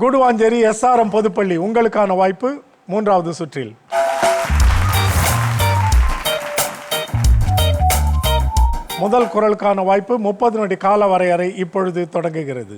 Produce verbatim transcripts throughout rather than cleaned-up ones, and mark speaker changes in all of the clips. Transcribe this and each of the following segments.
Speaker 1: Guduvancheri SRM பொதுப்பள்ளி உங்களுக்கான வாய்ப்பு மூன்றாவது சுற்றில். முதல் குரலுக்கான வாய்ப்பு முப்பது நொடி கால வரையறை இப்பொழுது தொடங்குகிறது.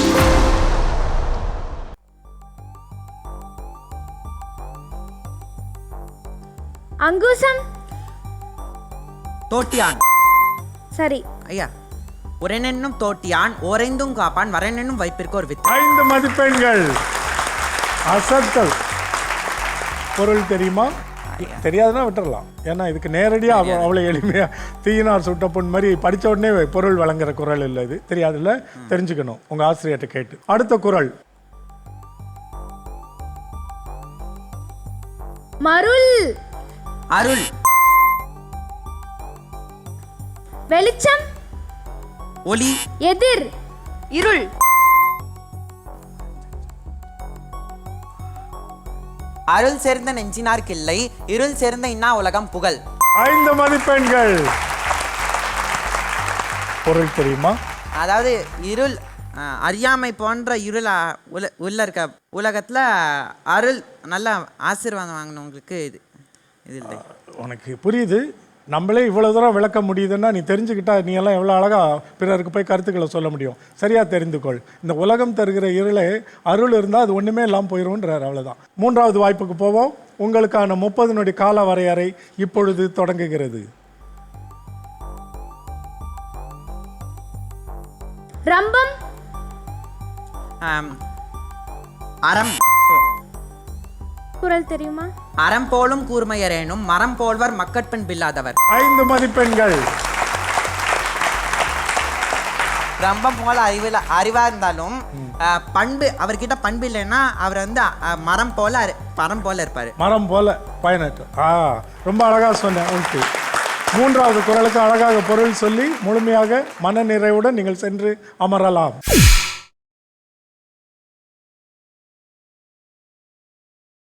Speaker 2: அங்குசம்
Speaker 3: தோட்டியான்.
Speaker 2: சரி
Speaker 3: ஐயா, உரைனென்னும் தோட்டியான் ஓரைந்தும் காப்பான் வரனென்னும் வைப்பிற்கு ஒரு வித்து.
Speaker 1: ஐந்து மதிப்பெண்கள். அசத்தல். பொருள் தெரியுமா? தெரியாதுன்னா விட்டுறலாம். ஏன்னா இதுக்கு நேரடியாக அவ்வளோ எளிமையா தீயினார் சுட்ட பொன் மாதிரி படித்த உடனே பொருள் வழங்குற குரல் இல்லை. இது தெரியாதுல்ல, தெரிஞ்சுக்கணும் உங்க ஆசிரியர்கிட்ட கேட்டு. அடுத்த குரல்
Speaker 2: மருள்.
Speaker 3: அருள்.
Speaker 2: வெளிச்சம்.
Speaker 3: ஒளி.
Speaker 2: எதிர். இருள்.
Speaker 3: அருள் சேர்ந்த நெஞ்சினார் கிள்ளை இருள் சேர்ந்த இன்னா உலகம் புகழ்.
Speaker 1: ஐந்து மதிப்பெண்கள். பொருள் தெரியுமா?
Speaker 3: அதாவது இருள் அறியாமை போன்ற இருள் உல உள்ள இருக்க உலகத்துல அருள் நல்ல ஆசீர்வாதம் வாங்கினவங்களுக்கு இது இது இல்லை.
Speaker 1: உனக்கு புரியுது. நம்மளே இவ்வளோ தூரம் விளக்க முடியுதுன்னா நீ தெரிஞ்சுக்கிட்டா நீ எல்லாம் எவ்வளோ அழகாக பிறருக்கு போய் கருத்துக்களை சொல்ல முடியும். சரியாக தெரிந்துக்கொள். இந்த உலகம் தருகிற இருளே அருள் இருந்தால் அது ஒன்றுமே இல்லாமல் போயிடும்ன்றார். அவ்வளோதான். மூன்றாவது வாய்ப்புக்கு போவோம். உங்களுக்கான முப்பது நொடி கால வரையறை இப்பொழுது தொடங்குகிறது.
Speaker 2: ரம்பம்.
Speaker 3: அறம்.
Speaker 2: குரல் தெரியுமா?
Speaker 3: அறம் போலும் கூர்மையரேனும் மரம் போல்வர் மக்கட்பெண் பில்லாதவர்.
Speaker 1: ஐந்து மதிப்பெண்கள்.
Speaker 3: ரம்பம் போல அறிவில் அறிவா இருந்தாலும் பண்பு அவர்கிட்ட பண்பு இல்லைன்னா அவர் வந்து மரம் போல மரம் போல இருப்பாரு.
Speaker 1: மரம் போல பயனற்று. ஆ ரொம்ப அழகாக சொன்னேன். ஓகே. மூன்றாவது குரலுக்கு அழகாக பொருள் சொல்லி முழுமையாக மன நிறைவுடன் நீங்கள் சென்று அமரலாம்.